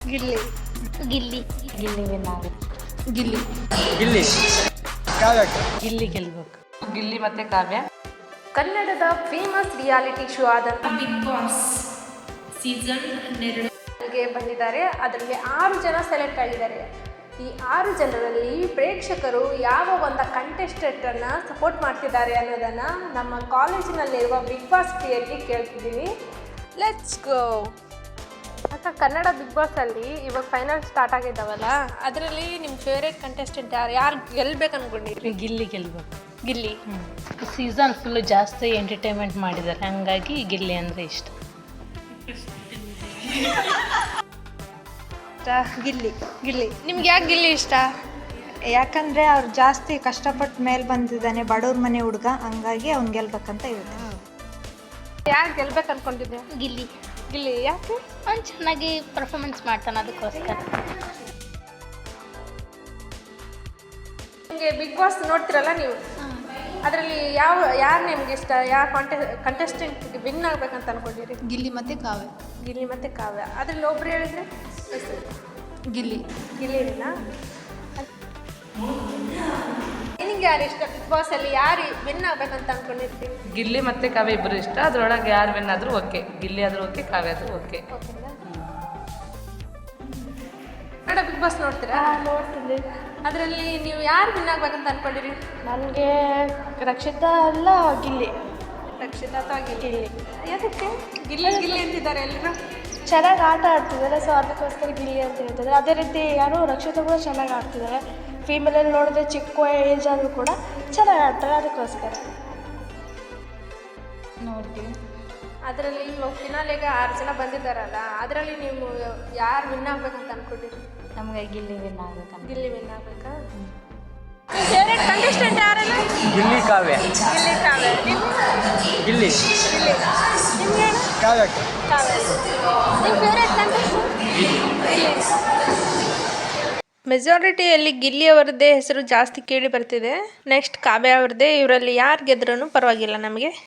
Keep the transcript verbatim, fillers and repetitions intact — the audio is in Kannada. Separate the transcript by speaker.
Speaker 1: ಗಿಲ್ಲಿ
Speaker 2: ಗಿಲ್ಲಿ
Speaker 3: ಗಿಲ್ಲಿ ವಿನ್ ಆಗುತ್ತೆ.
Speaker 1: ಗಿಲ್ಲಿ
Speaker 4: ಗಿಲ್ಲಿ ಕಾವ್ಯಕ್ಕೆ
Speaker 3: ಗಿಲ್ಲಿ ಗೆಲ್ಬೇಕು.
Speaker 5: ಗಿಲ್ಲಿ ಮತ್ತೆ ಕಾವ್ಯ.
Speaker 1: ಕನ್ನಡದ ಫೇಮಸ್ ರಿಯಾಲಿಟಿ ಶೋ ಆದಂಥ
Speaker 2: ಬಿಗ್ ಬಾಸ್ ಸೀಸನ್ ಹನ್ನೆರಡು
Speaker 1: ಗೆ ಬಂದಿದ್ದಾರೆ. ಅದರಲ್ಲಿ ಆರು ಜನ ಸೆಲೆಕ್ಟ್ ಆಗಿದ್ದಾರೆ. ಈ ಆರು ಜನರಲ್ಲಿ ಪ್ರೇಕ್ಷಕರು ಯಾವ ಒಂದು ಕಂಟೆಸ್ಟೆಂಟನ್ನು ಸಪೋರ್ಟ್ ಮಾಡ್ತಿದ್ದಾರೆ ಅನ್ನೋದನ್ನು ನಮ್ಮ ಕಾಲೇಜಿನಲ್ಲಿರುವ ಬಿಗ್ ಬಾಸ್ ಪ್ರಿಯಲ್ಲಿ ಕೇಳ್ತಿದ್ದೀನಿ. Let's go. ಅಕ್ಕ, ಕನ್ನಡ ಬಿಗ್ ಬಾಸಲ್ಲಿ ಇವಾಗ ಫೈನಲ್ ಸ್ಟಾರ್ಟ್ ಆಗಿದ್ದಾವಲ್ಲ, ಅದರಲ್ಲಿ ನಿಮ್ಮ ಫೇವ್ರೇಟ್ ಕಂಟೆಸ್ಟೆಂಟ್ ಯಾರು ಯಾರು ಗೆಲ್ಬೇಕು ಅನ್ಕೊಂಡಿದ್ರಿ?
Speaker 3: ಗಿಲ್ಲಿ ಗೆಲ್ಬೇಕು.
Speaker 1: ಗಿಲ್ಲಿ.
Speaker 3: ಸೀಸನ್ ಫುಲ್ಲು ಜಾಸ್ತಿ ಎಂಟರ್ಟೈನ್ಮೆಂಟ್ ಮಾಡಿದ್ದಾರೆ, ಹಾಗಾಗಿ ಗಿಲ್ಲಿ ಅಂದರೆ ಇಷ್ಟ.
Speaker 6: ಗಿಲ್ಲಿ
Speaker 1: ಗಿಲ್ಲಿ. ನಿಮ್ಗೆ ಯಾಕೆ ಗಿಲ್ಲಿ ಇಷ್ಟ?
Speaker 6: ಯಾಕಂದರೆ ಅವ್ರು ಜಾಸ್ತಿ ಕಷ್ಟಪಟ್ಟು ಮೇಲೆ ಬಂದಿದ್ದಾನೆ, ಬಡವ್ರ ಮನೆ ಹುಡುಗ, ಹಂಗಾಗಿ ಅವ್ನು ಗೆಲ್ಬೇಕಂತ ಇರುತ್ತೆ.
Speaker 1: ಯಾರು ಗೆಲ್ಬೇಕು ಅನ್ಕೊಂಡಿದ್ದೆ?
Speaker 2: ಗಿಲ್ಲಿ
Speaker 1: ಗಿಲ್ಲಿ. ಯಾಕೆ?
Speaker 2: ಅವ್ನು ಚೆನ್ನಾಗಿ ಪರ್ಫಾರ್ಮೆನ್ಸ್ ಮಾಡ್ತಾನೆ, ಅದಕ್ಕೋಸ್ಕರ.
Speaker 1: ನಿಮಗೆ ಬಿಗ್ ಬಾಸ್ ನೋಡ್ತಿರಲ್ಲ ನೀವು, ಅದರಲ್ಲಿ ಯಾವ ಯಾರು ನಿಮ್ಗೆ ಇಷ್ಟ? ಯಾವ ಕಾಂಟೆ ಕಂಟೆಸ್ಟೆಂಟ್ ವಿನ್ ಆಗ್ಬೇಕಂತ ಅನ್ಕೊಂಡಿರಿ?
Speaker 7: ಗಿಲ್ಲಿ ಮತ್ತು ಕಾವ್ಯ.
Speaker 1: ಗಿಲ್ಲಿ ಮತ್ತು ಕಾವ್ಯ. ಅದ್ರಲ್ಲಿ ಒಬ್ರು ಹೇಳಿದ್ರೆ ಹೆಸರು?
Speaker 7: ಗಿಲ್ಲಿ.
Speaker 1: ಗಿಲ್ಲಿನ. ನಿನಗೆ ಯಾರು ಇಷ್ಟ ಬಿಗ್ ಬಾಸಲ್ಲಿ? ಯಾರು ವಿನ್ ಆಗ್ಬೇಕಂತ ಅನ್ಕೊಂಡಿರ್ತೀವಿ?
Speaker 5: ಗಿಲ್ಲಿ ಮತ್ತೆ ಕಾವ್ಯ ಇಬ್ಬರು ಇಷ್ಟ. ಅದ್ರೊಳಗೆ ಯಾರು ವಿನ್ ಆದರೂ ಓಕೆ. ಗಿಲ್ಲಿ ಆದರೂ ಓಕೆ, ಕಾವ್ಯ ಆದರೂ ಓಕೆ.
Speaker 1: ಕನ್ನಡ ಬಿಗ್ ಬಾಸ್ ನೋಡ್ತೀರಾ?
Speaker 6: ನೋಡ್ತಿದ್ದೆ.
Speaker 1: ಅದರಲ್ಲಿ ನೀವು ಯಾರು ವಿನ್ ಆಗ್ಬೇಕಂತ ಅನ್ಕೊಂಡಿರಿ?
Speaker 6: ನನಗೆ ರಕ್ಷಿತಾ ಅಲ್ಲ ಗಿಲ್ಲಿ.
Speaker 1: ರಕ್ಷಿತಾ ಅಥವಾ ಗಿಲ್ಲಿ? ಯಾಕೆ ಗಿಲ್ಲಿ ಗಿಲ್ಲಿ ಅಂತಿದ್ದಾರೆ ಎಲ್ಲರೂ?
Speaker 6: ಚೆನ್ನಾಗಿ ಆಟ ಆಡ್ತಿದ್ದಾರೆ, ಸೊ ಅದಕ್ಕೋಸ್ಕರ ಗಿಲ್ಲಿ ಅಂತ ಹೇಳ್ತಿದ್ದಾರೆ. ಅದೇ ರೀತಿ ಯಾರು ರಕ್ಷಿತಾ ಕೂಡ ಚೆನ್ನಾಗಿ ಆಡ್ತಿದ್ದಾರೆ. ಫೀಮೇಲಲ್ಲಿ ನೋಡಿದ್ರೆ ಚಿಕ್ಕ ಏಜ್ ಆದರೂ ಕೂಡ ಚೆನ್ನಾಗಿ ಆಡ್ತಾರೆ, ಅದಕ್ಕೋಸ್ಕರ
Speaker 3: ನೋಡ್ತೀವಿ.
Speaker 1: ಅದರಲ್ಲಿ ಇವಾಗ ಫಿನಾಲೆಗೆ ಆರು ಜನ ಬಂದಿದ್ದಾರಲ್ಲ, ಅದರಲ್ಲಿ ನೀವು ಯಾರು ವಿನ್ ಆಗ್ಬೇಕಂತ ಅನ್ಕೊಂಡಿರಿ?
Speaker 3: ನಮಗೆ ಗಿಲ್ಲಿ ವಿನ್ ಆಗ್ಬೇಕಂತ.
Speaker 1: ಗಿಲ್ಲಿ ವಿನ್ ಆಗ್ಬೇಕಾ? ನಿಮ್ಮ ಫೇವ್ರೇಟ್ ಕಂಟೆಸ್ಟೆಂಟ್ ಯಾರಲ್ಲ?
Speaker 4: ಗಿಲ್ಲಿ ಕಾವ್ಯ
Speaker 1: ಗಿಲ್ಲಿ ಕಾವ್ಯ. ನಿಮ್ಮ
Speaker 4: ಗಿಲ್ಲಿ
Speaker 1: ಗಿಲ್ಲಿ. ನಿಮ್ಗೆ
Speaker 4: ಕಾವ್ಯಕ್ಕೆ
Speaker 1: ಕಾವ್ಯ. ನಿಮ್ಮ ಫೇವ್ರೇಟ್ ಕಂಟೆಸ್ಟೆಂಟ್? ಗಿಲ್ಲಿ. ಮೆಜಾರಿಟಿಯಲ್ಲಿ ಗಿಲ್ಲಿ ಅವರದ್ದೇ ಹೆಸರು ಜಾಸ್ತಿ ಕೇಳಿ ಬರ್ತಿದೆ. ನೆಕ್ಸ್ಟ್ ಕಾವ್ಯ ಅವ್ರದ್ದೇ. ಇವರಲ್ಲಿ ಯಾರು ಗೆದ್ರೂ ಪರವಾಗಿಲ್ಲ ನಮಗೆ.